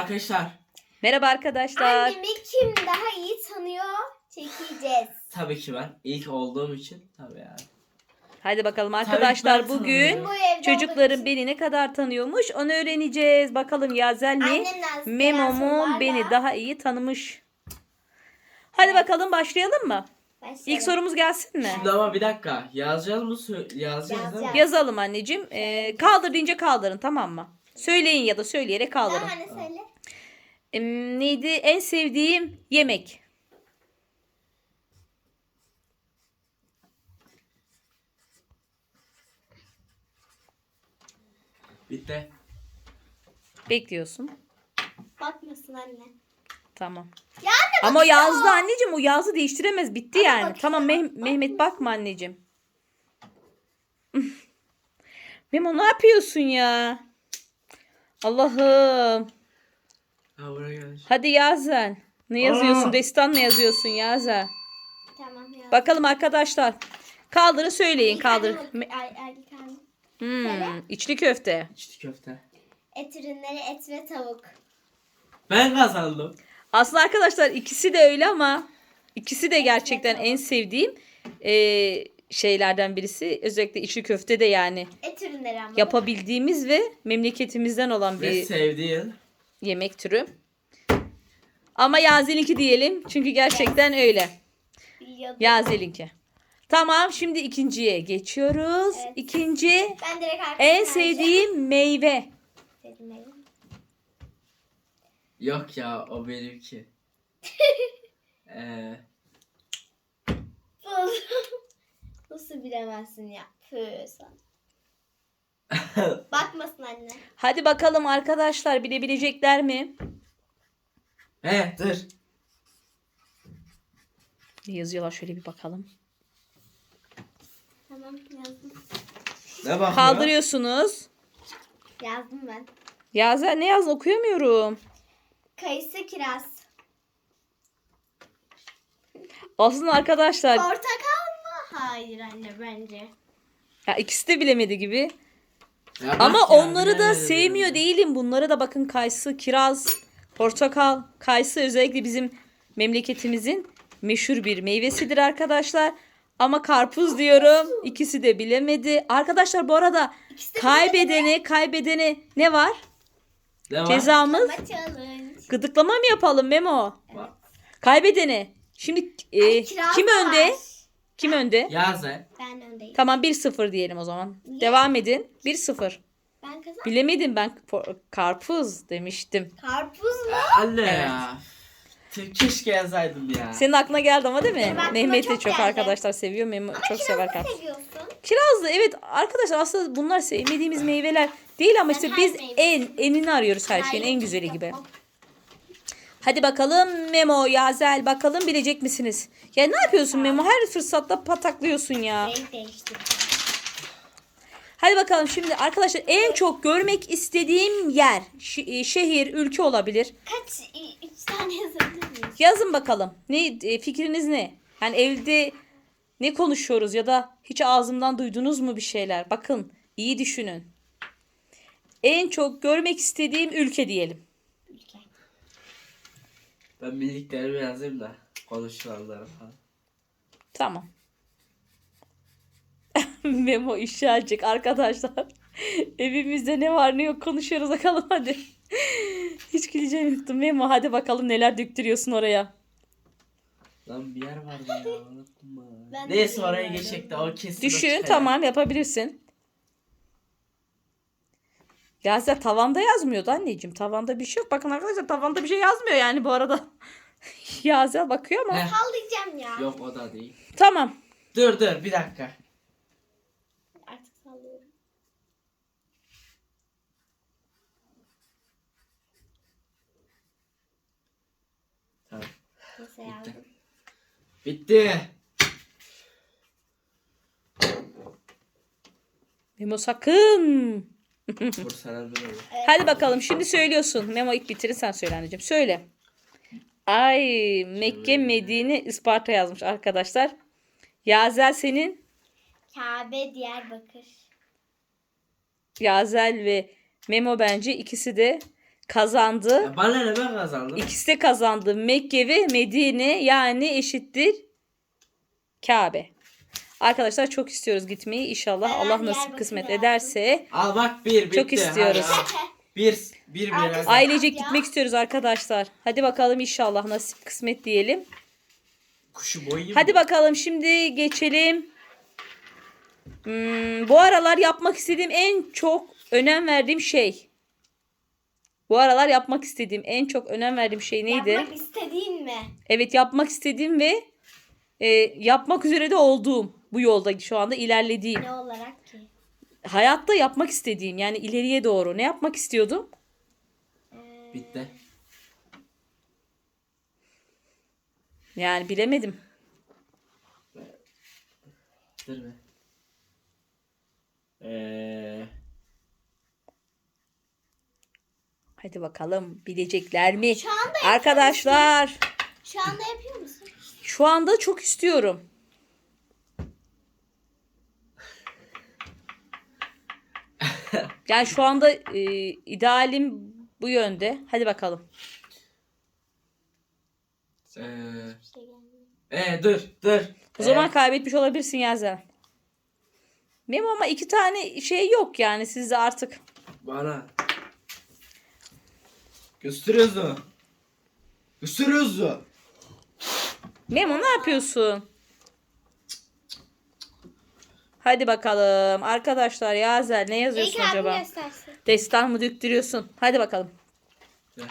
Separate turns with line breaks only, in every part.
arkadaşlar.
Merhaba arkadaşlar.
Annemi kim daha iyi tanıyor çekeceğiz.
Tabii ki ben. İlk olduğum için tabii yani.
Hadi bakalım
Tabii
arkadaşlar
ben
bugün
tanıyorum.
Bu evde
çocukların
olduğum için
beni ne kadar tanıyormuş onu öğreneceğiz. Bakalım Yazel mi?
annemden
Memo
gelen
mu
sorularla
beni daha iyi tanımış? Hadi bakalım başlayalım mı?
başlayalım.
İlk sorumuz gelsin mi?
Şimdi ama bir dakika. Yazacağız mı? Yazacağız değil mi?
Yazacağız.
Yazalım anneciğim. Kaldır deyince kaldırın, tamam mı? Söyleyin ya da söyleyerek kaldırın.
Tamam anne söyle.
Neydi en sevdiğim yemek?
Bitti.
Bekliyorsun.
Bakmasın anne.
Tamam.
Ya anne
Ama o
bakıyor.
yazdı anneciğim. O yazdı değiştiremez. Bitti
Ama
yani.
bakıyor,
Tamam Mehmet bakma anneciğim. Memo ne yapıyorsun ya? Allah'ım.
Ha buraya gel.
Hadi Yazel. Ne yazıyorsun?
Aa!
Destan mı yazıyorsun Yazel?
Tamam ya.
Bakalım arkadaşlar. Kaldırın söyleyin. Kaldır. İçli köfte.
İçli köfte.
Et ürünleri, et ve tavuk.
Ben kazandım.
Aslında arkadaşlar ikisi de öyle ama ikisi de gerçekten en sevdiğim şeylerden birisi. Özellikle içli köfte de yani
Et ürünleri ama.
yapabildiğimiz ve memleketimizden olan
Ve
bir
sevdiğin.
yemek türü. Ama Yazel'inki diyelim. Çünkü gerçekten öyle.
Biliyordum.
Yazel'inki. Tamam, şimdi ikinciye geçiyoruz.
Evet.
İkinci
Ben direkt
en sevdiğim meyve.
sevdiğim.
Yok ya o benimki.
Nasıl bilemezsin ya? Püh sen. Bakmasın anne.
Hadi bakalım arkadaşlar, bilebilecekler mi?
Dur.
Ne yazıyorlar, şöyle bir bakalım.
Tamam yazdım.
Ne bakıyor?
Kaldırıyorsunuz.
Yazdım ben.
Yazel ne yazdın, okuyamıyorum.
Kayısı, kiraz.
Aslında arkadaşlar
Portakal mı? Hayır anne bence.
ya ikisi de bilemedi gibi.
Ya bak
Ama
ya,
onları da
bilemedim
sevmiyor
ya.
değilim. Bunlara da bakın, kayısı, kiraz, portakal. Kayısı özellikle bizim memleketimizin meşhur bir meyvesidir arkadaşlar. Ama karpuz diyorum. İkisi de bilemedi. Arkadaşlar bu arada kaybedene ne var?
Ne var?
Cezamız
Ama challenge.
gıdıklama mı yapalım Memo?
Bak.
Kaybedene. Şimdi
Kiraz
kim
da
önde?
var.
Kim önde?
Yazel.
Ben öndeyim.
Tamam, 1-0 diyelim o zaman. Devam edin. 1-0.
Ben kazandım.
Bilemedim, ben karpuz demiştim.
Karpuz mu?
Anne
Evet.
ya. Keşke yazaydım ya.
Senin aklına geldi ama değil mi?
Benim aklıma
Mehmet de
çok
çok
geldi.
arkadaşlar seviyor. Memo çok sever
Kirazı
karpuz.
seviyorsun.
Kirazlı, evet arkadaşlar, aslında bunlar sevmediğimiz meyveler değil ama işte
her
biz
meyve
enini arıyoruz her şeyin, en
Hayır,
güzeli gibi.
yapmam.
Hadi bakalım Memo, Yazel, bakalım bilecek misiniz? Ya ne yapıyorsun Memo? Her fırsatta pataklıyorsun ya.
Renk değiştirdim.
Hadi bakalım şimdi arkadaşlar, en çok görmek istediğim yer, şehir, ülke olabilir.
Kaç? 3 tane yazabilir miyiz?
Yazın bakalım. Ne fikriniz ne? Yani evde ne konuşuyoruz ya da hiç ağzımdan duydunuz mu bir şeyler? Bakın, iyi düşünün. En çok görmek istediğim ülke diyelim.
Ülke.
Ben bildiklerimi yazayım da konuşulanları falan.
Tamam. Memo işe alacak arkadaşlar. Evimizde ne var ne yok konuşuyoruz, bakalım hadi. Hiç güleceğim yoktu. Memo hadi bakalım neler döktürüyorsun oraya.
Lan bir yer vardı ya unuttum ben.
Ben de
Neyse oraya
bilmiyorum.
geçecek de o kesin.
Düşün,
çıkar.
tamam, yapabilirsin. Yazel tavanda yazmıyordu anneciğim. Tavanda bir şey yok. Bakın arkadaşlar, tavanda bir şey yazmıyor yani bu arada. Yazel bakıyor ama.
Heh.
Sallayacağım ya.
Yok o da değil.
Tamam.
Dur bir dakika.
Artık sallıyorum.
Tamam.
Neyse yazdım.
Bitti.
Memo sakın.
Vur sana bir olur.
Hadi bakalım, şimdi söylüyorsun. Memo ilk bitirir, sen söyle anneciğim. Söyle. Ay, Mekke, Medine, Isparta yazmış arkadaşlar. Yazel senin.
Kabe, Diyarbakır.
Yazel ve Memo bence ikisi de kazandı.
Ya bana ne, ben kazandım.
İkisi de kazandı. Mekke ve Medine yani eşittir Kabe. Arkadaşlar çok istiyoruz gitmeyi. İnşallah
Ben
Allah nasip
Diyarbakır'a
kısmet
yazdım.
ederse.
Al bak, bir bitti.
Çok istiyoruz.
Hadi al. Bir
Arkadaşlar-
hadi.
Ailecek
Ya.
gitmek istiyoruz arkadaşlar. Hadi bakalım inşallah nasip kısmet diyelim.
Kuşu boyayayım.
Hadi
mı?
bakalım şimdi geçelim. Bu aralar yapmak istediğim en çok önem verdiğim şey. Bu aralar yapmak istediğim en çok önem verdiğim şey neydi?
Yapmak istediğin mi?
Evet, yapmak istediğim ve yapmak üzere de olduğum bu yolda şu anda ilerlediğim.
Ne olarak ki?
Hayatta yapmak istediğim yani ileriye doğru. Ne yapmak istiyordum?
Bitti.
Yani bilemedim.
Dur be.
Hadi bakalım bilecekler mi?
Şu anda
Arkadaşlar
Şu anda yapıyor musun?
şu anda çok istiyorum. Yani şu anda idealim bu yönde. Hadi bakalım.
Bir şey gelmiyor.
Dur.
O zaman kaybetmiş olabilirsin Yazel. Benim ama 2 tane şey yok yani sizde artık.
Bana. Gösteriyorsun. Gösteriyorsun.
Memo ne yapıyorsun? Hadi bakalım. Arkadaşlar Yazel ne yazıyorsun
İlk abim
acaba?
göstersin.
Destan mı döktürüyorsun? Hadi bakalım.
Gel.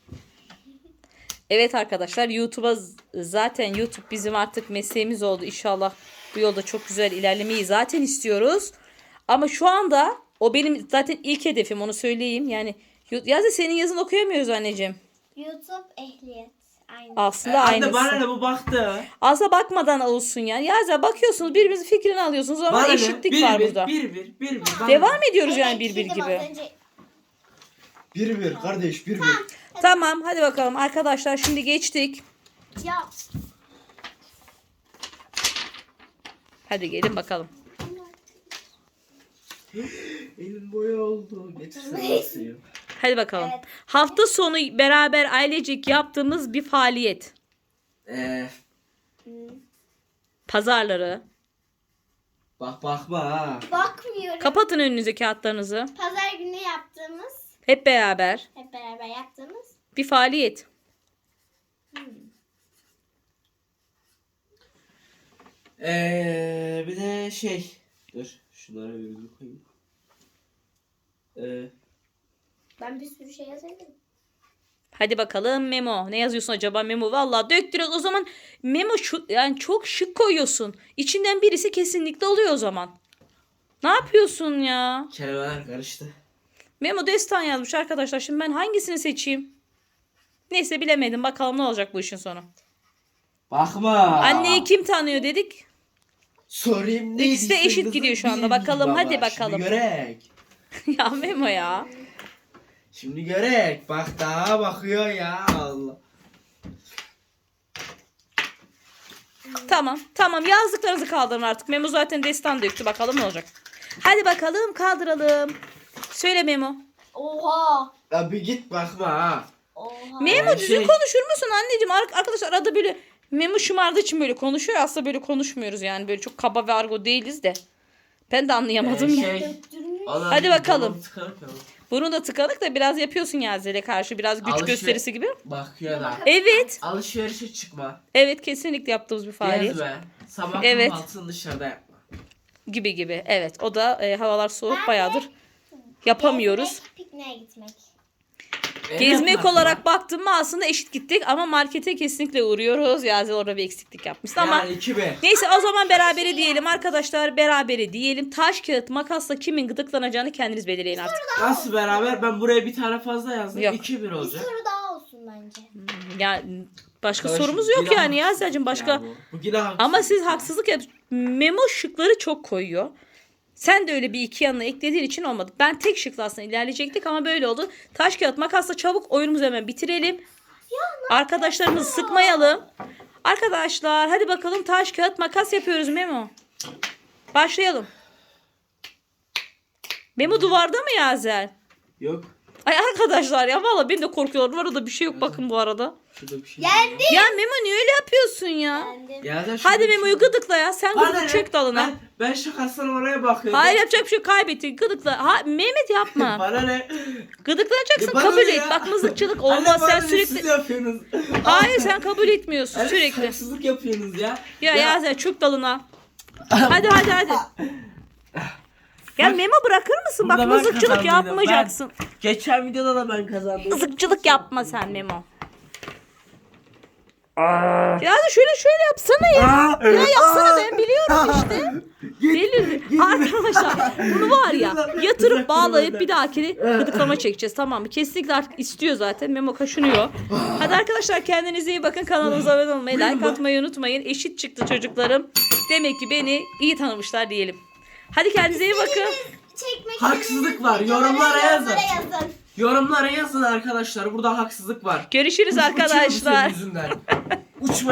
Evet arkadaşlar YouTube'a zaten YouTube bizim artık mesleğimiz oldu. İnşallah bu yolda çok güzel ilerlemeyi zaten istiyoruz. Ama şu anda o benim zaten ilk hedefim, onu söyleyeyim. Yani Yazel senin yazını okuyamıyoruz anneciğim.
YouTube ehliyet. Aynı.
Aslında
Anne
aynısı.
bana ne, bu baktı.
Aslında bakmadan olsun yani. Yazel bakıyorsunuz birbirimizin fikrini alıyorsunuz ama
Bana ne?
eşitlik var burada.
Bir. Bana
Devam
ne?
ediyoruz yani
Evet,
bir
dedim
gibi.
az önce.
Bir kardeş bir.
Tamam hadi bakalım arkadaşlar şimdi geçtik.
Ya.
Hadi gelin bakalım.
Elim boya oldu. Getirsene suyu.
Hadi bakalım.
Evet.
Hafta sonu beraber ailecek yaptığımız bir faaliyet. Pazarları.
Bakma ha.
Bakmıyorum.
Kapatın önünüzdeki kağıtlarınızı.
Pazar günü yaptığımız,
Hep beraber
hep beraber yaptığımız.
bir faaliyet.
Bir de şey. Dur. Şunlara virgül koyayım.
Ben bir sürü şey yazabilirim.
Hadi bakalım Memo. Ne yazıyorsun acaba Memo? Vallahi döktürüyoruz. O zaman Memo şu yani çok şık koyuyorsun. İçinden birisi kesinlikle oluyor o zaman. Ne yapıyorsun ya?
Kelimeler karıştı.
Memo destan yazmış arkadaşlar. Şimdi ben hangisini seçeyim? Neyse bilemedim. Bakalım ne olacak bu işin sonu.
Bakma.
Anneyi kim tanıyor dedik.
Sorayım ne?
İkisi de eşit gidiyor şu anda. Bakalım, hadi bakalım.
Şimdi görek.
Ya Memo ya.
Şimdi görek. Bak daha bakıyor ya Allah.
Tamam yazdıklarınızı kaldırın artık. Memo zaten destan döktü. Bakalım ne olacak. Hadi bakalım kaldıralım. Söyle Memo.
Oha.
Ya bir git bakma ha.
Oha.
Memo düzgün
şey-
konuşur musun anneciğim? Arkadaşlar arada böyle Memo şımardığı için böyle konuşuyor. Aslında böyle konuşmuyoruz yani. Böyle çok kaba ve argo değiliz de. Ben de anlayamadım.
Döktürmüş.
Hadi bakalım.
Burnum tıkanık ya.
Bunu da tıkanık da biraz yapıyorsun Yazel'e karşı. Biraz güç gösterisi gibi.
Bakıyor da.
Evet.
Alışverişe çıkma.
Evet kesinlikle yaptığımız bir faaliyet.
Gezme. Sabah
Evet.
kahvaltısını dışarıda yapma.
Gibi. Evet o da havalar soğuk
Ben de
bayağıdır. Yapamıyoruz.
Gezmek, pikniğe gitmek.
Gezmek
bakma.
olarak baktım mı aslında eşit gittik ama markete kesinlikle uğruyoruz. Yazel orada bir eksiklik yapmıştı ama
Yani 2-1.
neyse o zaman berabere diyelim arkadaşlar, berabere diyelim. Taş kağıt makasla kimin gıdıklanacağını kendiniz belirleyin artık.
Nasıl beraber? Ben buraya bir tane fazla yazdım.
Yok.
2-1
Bir
olacak.
soru daha olsun bence.
Ya başka
Arkadaşım,
sorumuz yok
yine
yani
haksızlık
Yazel'cim başka.
ya bu. Bu yine haksızlık
Ama siz
ya.
haksızlık Memo şıkları çok koyuyor. Sen de öyle bir iki yanına eklediğin için olmadı. Ben tek şıkla aslında ilerleyecektik ama böyle oldu. Taş kağıt makasla çabuk oyunumuzu hemen bitirelim. Arkadaşlarımızı sıkmayalım. Arkadaşlar hadi bakalım taş kağıt makas yapıyoruz Memo. Başlayalım. Memo duvarda mı Yazel?
Yok.
Ay arkadaşlar ya. Valla beni de korkuyorlar. Orada bir şey yok bakın bu arada.
Şurada bir şey.
Yendi.
Ya Memo niye öyle yapıyorsun ya?
Yendim.
Ya da şurada
Hadi
bir şey
Memo'yu
var.
gıdıkla ya. Sen
Bana
gıdık
ne?
çek dalına.
Ben şakasına oraya bakıyorum.
Hayır yapacak bir şey yok. Kaybettin. Gıdıkla. Ha, Mehmet yapma.
Bana ne?
Gıdıklanacaksın.
Ya bana
kabul
ne
et.
ya?
Bak mızıkçılık
Anne,
olmaz.
bana
Sen
ne
sürekli...
siz yapıyorsunuz?
Hayır sen kabul etmiyorsun
Anne,
sürekli.
haksızlık yapıyorsunuz ya.
Ya sen çök dalına. Hadi. Ya Memo bırakır mısın? Bak
Burada ben
mızıkçılık
kazandıydım.
yapmayacaksın.
Geçen videoda da ben kazandım.
Mızıkçılık yapma sen Memo. Ya da şöyle yapsana ya. Ya yapsana ben biliyorum işte. Deli. Arkadaşlar bunu var ya yatırıp bağlayıp bir dahakini gıdıklama çekeceğiz, tamam mı? Kesinlikle artık istiyor zaten. Memo kaşınıyor. Hadi arkadaşlar kendinize iyi bakın. Kanalımıza abone olmayı, like atmayı unutmayın. Eşit çıktı çocuklarım. Demek ki beni iyi tanımışlar diyelim. Hadi kendinize iyi bakın.
Çekmek
Haksızlık
istediğiniz
var.
videoları
Yorumlara yazın.
yazın.
Yorumlara yazın arkadaşlar. Burada haksızlık var.
Görüşürüz
Uçuyorum
arkadaşlar.
senin yüzünden. Uçma.